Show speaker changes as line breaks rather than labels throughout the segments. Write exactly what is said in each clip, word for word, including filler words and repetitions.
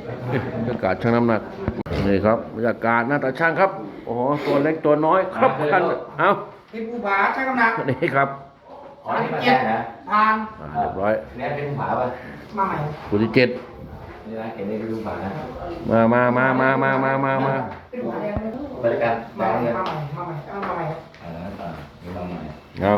บรรยากาศช่างน้ำหนักนี่ครับบรรยากาศหน้าตาช่างครับโอ้โหตัวเล็กตัวน้อยครับกันเอา
ที่ภูผาช่างน้ำหนัก
นี่ครับ
อ๋อนี่มาแจ้งนะ
ผ่าน
เรียบร้อย
เนี่ยเป็นภูผาป่ะ
มาใหม่
คู่ที่เจ็ด
นี่นะเห็นนี่เป็นภูผานะ
มามามามามามามามา
เป็นภูผาแดงเลย
บริการ
มา
แจ้ง
ใหม่
เลย
มาใหม่มาใหม่เอามาใหม่
อ่าอ่ามีมาใหม่
เอา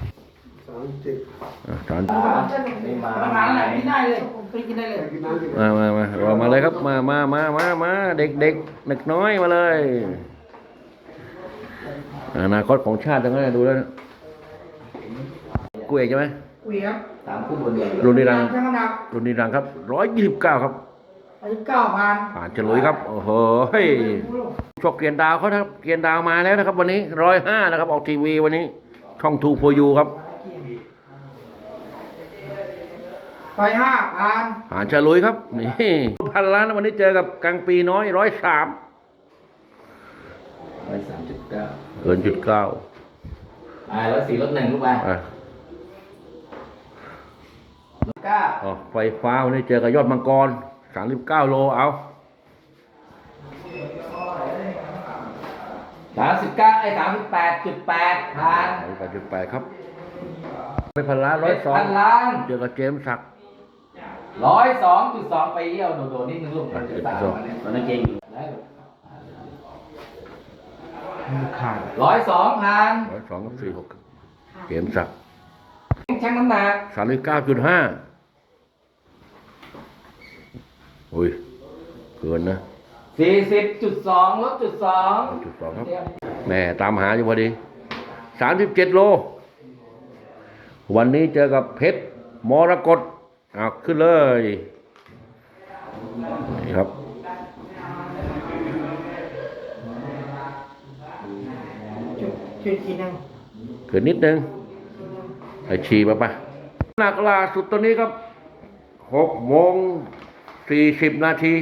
สาม
นี่มา
ประมาณนั้นกินได้เลยไปกินได้เลย
มามามาเรามาเลยครับมามามามามาเด็กเด็กเด็กน้อยมาเลยอนาคตของชาติทั้งนั้นดูแล้วกูเอกใช่ไหม
เวียบ
ตามคู่บนเดียว
รุ่นนี้รัง
ช่างน้ำหนัก
รุ่นนี้รังครับร้อยยี่สิบเก้าครับ
อายุเก้าพัน
ผ่านฉลุยครับโอ้โหเฮ้ยชกเกียนดาวเขาครับเกียนดาวมาแล้วนะครับ วันนี้ร้อยห้านะครับออกทีวีวันนี้ช่องทูโฟยูครับ
ร้อยห้าพัน
ผ่านฉลุยครับนี่พันล้านวันนี้เจอกับกังปีน้อยร้อยสาม
ร้อยสามจุดเก้า
เกินจุดเก้า
อ่าร้อยสี่ลดหนึ่งลูกไป
อ่ะ
เก้า
อ๋อไฟฟ้าวันนี้เจอกับยอดมังกรสามสิบเก้าโลเอา
สามสิบเก้าไอ้สามสิบแปดจุดแปดพัน
ไปจุดแปดครับไปพันล้านร้อยสอง
พันล้าน
เจอกับเจมส์ศักดิ์
ร้อยสองจุดสองไปเยี่ยวโดดๆนิดนึงลูกมันจะตายมันนั่งเก่งอยู่ร้อยสองพัน
ร้อยสองกับสี่หกเจมส์ศักดิ์
ชั่งน้ำหนัก
สามสิบเก้าจุดห้าโอ้ยเกินนะ
สี่สิบจุดสองลดจุดสอง
จุดสองครับแม่ตามหาอยู่พอดีสามสิบเจ็ดโลวันนี้เจอกับเพชรมรกตเอาขึ้นเลยนี่ครับ
จุดจุดกี่นึง
เกินนิดนึงไอชีมาปะหนักล่าสุดตัวนี้ครับหกโมงสี่สิบนาที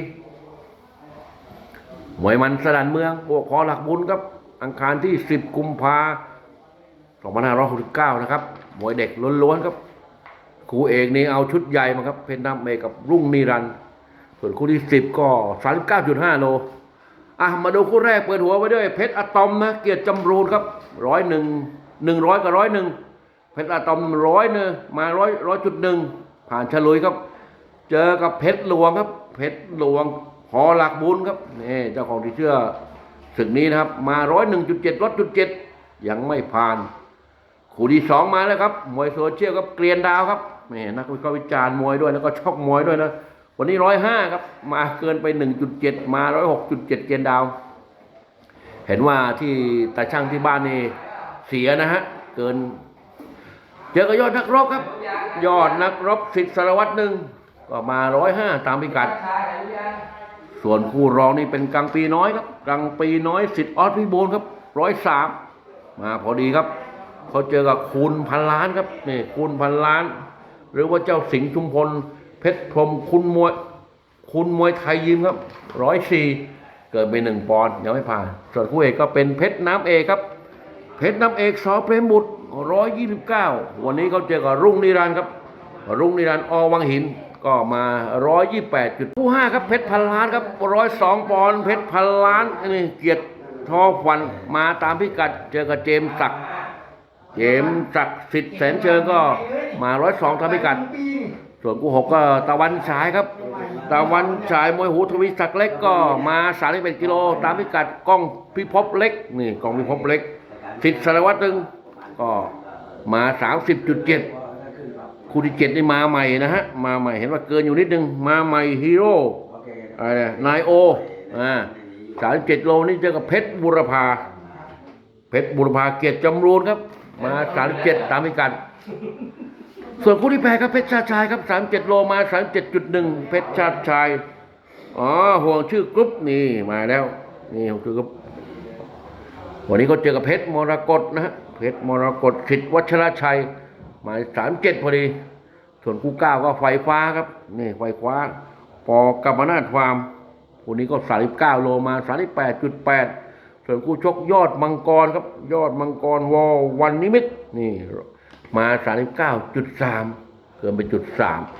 มวยมันสนันเมืองโอ้ขอหลักบุญครับอังคารที่สิบกุมภาสองพันห้าร้อยหกสิบเก้านะครับมวยเด็กล้วนๆครับครูเอกนี่เอาชุดใหญ่มาครับเพชรน้ำเมกับรุ่งนิรันดร์ส่วนคู่ที่สิบก็สามสิบเก้าจุดห้าโลอ่ะมาดูคู่แรกเปิดหัวไว้ด้วยเพชรอะตอมนะเกียรติจำรูนครับร้อยหนึ่งหนึ่งร้อยกับร้อยหนึ่งเพชรอะตอมร้อยเนอะมาร้อยร้อยจุดหนึ่งผ่านฉลุยครับเจอกับเพชรหลวงครับเพชรหลวงหอหลักบุญครับนี่เจ้าของที่เชื่อศึกนี้นะครับมาร้อยหนึ่งจุดเจ็ดร้อยจุดเจ็ดยังไม่ผ่านคู่ที่สองมาแล้วครับมวยโซเชียลครับเกรียนดาวครับแม่นักวิเคราะห์วิจารณ์มวยด้วยแล้วก็ชอบมวยด้วยนะวันนี้ร้อยห้าครับมาเกินไปหนึ่งจุดเจ็ดมาร้อยหกจุดเจ็ดเกรียนดาวเห็นว่าที่ตาช่างที่บ้านนี่เสียนะฮะเกินเจอกับยอดนักรบครับยอดนักรบสิทธิ์สารวัตรหนึ่งก็มาร้อยห้าตามพิกัดส่วนคู่รองนี่เป็นกังปีน้อยครับกังปีน้อยสิทธิ์ออสพิบูลครับร้อยสามมาพอดีครับเขาเจอกับคูณพันล้านครับนี่คูณพันล้านหรือว่าเจ้าสิงห์ชุมพลเพชรพรหมคุณมวยคุณมวยไทยยิมครับร้อยสี่เกิดไปหนึ่งปอนด์ยังไม่ผ่านส่วนคู่เอกก็เป็นเพชรน้ำเอกครับเพชรน้ำเอกสอเปรมบุตรร้อยยี่สิบเก้าวันนี้เขาเจอกับรุ่งนิรันดร์ครับรุ่งนิรันดร์อวังหินก็มาร้อยยี่แปดจุดคู่ห้าครับเพชรพันล้านครับร้อยสองปอนด์เพชรพันล้านนี่เกียรติทอฟันมาตามพิกัดเจอกับเจมส์ศักดิ์เจมส์ศักดิ์สิทธิ์แสนเชิงก็มาร้อยสองตามพิกัดส่วนคู่หกก็ตะวันฉายครับตะวันฉายมวยหูทวีศักดิ์เล็กก็มาสามสิบเอ็ดกิโลตามพิกัดกล้องพิภพเล็กนี่กล้องพิภพเล็กสิทธิ์สารวัตรหนึ่งก็มาสามสิบจุดเจ็ดคู่ที่เจ็ดนี่มาใหม่นะฮะมาใหม่เห็นว่าเกินอยู่นิดนึงมาใหม่ฮีโร่อะไรนายโออ่าสามสิบเจ็ดโลนี่เจอกับเพชรบุรพาเพชรบุรพาเกียรติจำรูนครับมาสามสิบเจ็ดตามพิกัดส่วนคู่ที่แพ้ครับเพชรชาติชายครับสามสิบเจ็ดโลมาสามสิบเจ็ดจุดหนึ่งเพชรชาติชายอ๋อห่วงชื่อกรุ๊ปนี่มาแล้วนี่ห่วงชื่อกรุ๊ปวันนี้เขาเจอกับเพชรมรกตนะฮะเพชรมรกตสิทธิ์วัชรชัยมาสามเจ็ดพอดีส่วนคู่เก้าก็ไฟฟ้าครับนี่ไฟฟ้าปอกัมปนาทฟาร์มคู่นี้ก็สามสิบเก้าโลมาสามสิบแปดจุดแปดส่วนคู่ชกยอดมังกรครับยอดมังกรวอวันนิมิตนี่มาสามสิบเก้าจุดสามเกินไปจุดสาม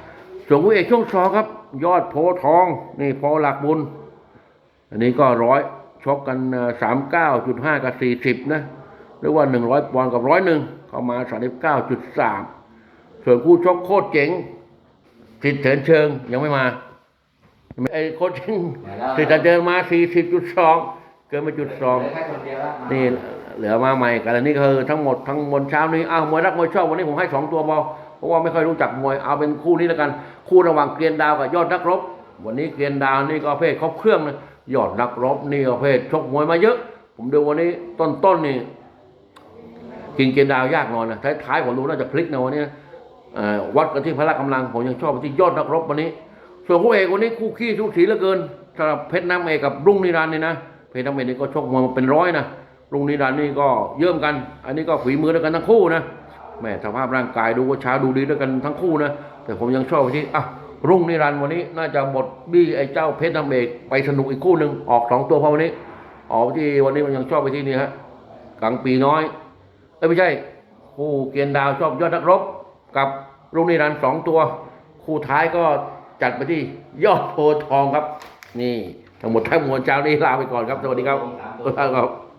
ส่วนคู่เอกช่วงสองครับ ยอดโพธิ์ทองนี่พอหลักบุญ อันนี้ก็ร้อยชกกันสามเก้าจุดห้ากับสี่สิบนะหรือว่าหนึ่งร้อยปอนด์กับร้อยหนึ่งเข้ามาสามสิบเก้าจุดสามส่วนคู่ชกโคตรเจ๋งสิทธิ์เถินเชิงยังไม่มาไอ้โคตรเจ๋งสิทธิ์เถินเชิงมาสี่สิบจุดสองเกินไปจุดสอง
เหลือแค่คนเดียวแล้ว
นี่เหลือมาใหม่กันแล้วนี่คือทั้งหมดทั้งมวลเช้านี้อ้าวมวยรักมวยชอบวันนี้ผมให้สองตัวพอเพราะว่าไม่ค่อยรู้จักมวยเอาเป็นคู่นี้แล้วกันคู่ระหว่างเกรียนดาวกับยอดนักรบวันนี้เกรียนดาวนี่ก็เพศครบเครื่องนะยอดนักรบนี่ก็เพศชกมวยมาเยอะ ผมดูวันนี้ต้นๆนนี่กินเกรียนดาวยากหน่อยนะท้ายๆผมดูน่าจะพลิกนะวันนี้วัดกันที่พละกำลังผมยังชอบที่ยอดนักรบวันนี้ส่วนคู่เอกวันนี้คู่ขี้ทุกสีเหลือเกินสำหรับเพชรน้ำเอกกับรุ่งนิรันดร์นี่นะเพชรน้ำเอกนี่ก็ชกมวยมาเป็นร้อยนะรุ่งนิรันดร์นี่ก็เยิ่มกัน อันนี้ก็ฝีมือด้วยกันทั้งคู่นะแม่สภาพร่างกายดูว่าช้าดูดีด้วยกันทั้งคู่นะแต่ผมยังชอบที่อ่ะรุ่งนิรันดร์วันนี้น่าจะบดบี้ไอ้เจ้าเพชรน้ำเอกไปสนุกอีกคู่หนึ่งออกสองตัวพอวันนี้ออกที่วันนี้มันยังชอบไปที่นี่ฮะกังปีน้อยเอ้ยไม่ใช่คู่เกียนดาวชอบยอดนักรบกับรุ่งนิรันดร์สองตัวคู่ท้ายก็จัดไปที่ยอดโพธิ์ทองครับนี่ทั้งหมดทั้งมวลเจ้านี้ลาไปก่อนครับสวัสดีครับครับ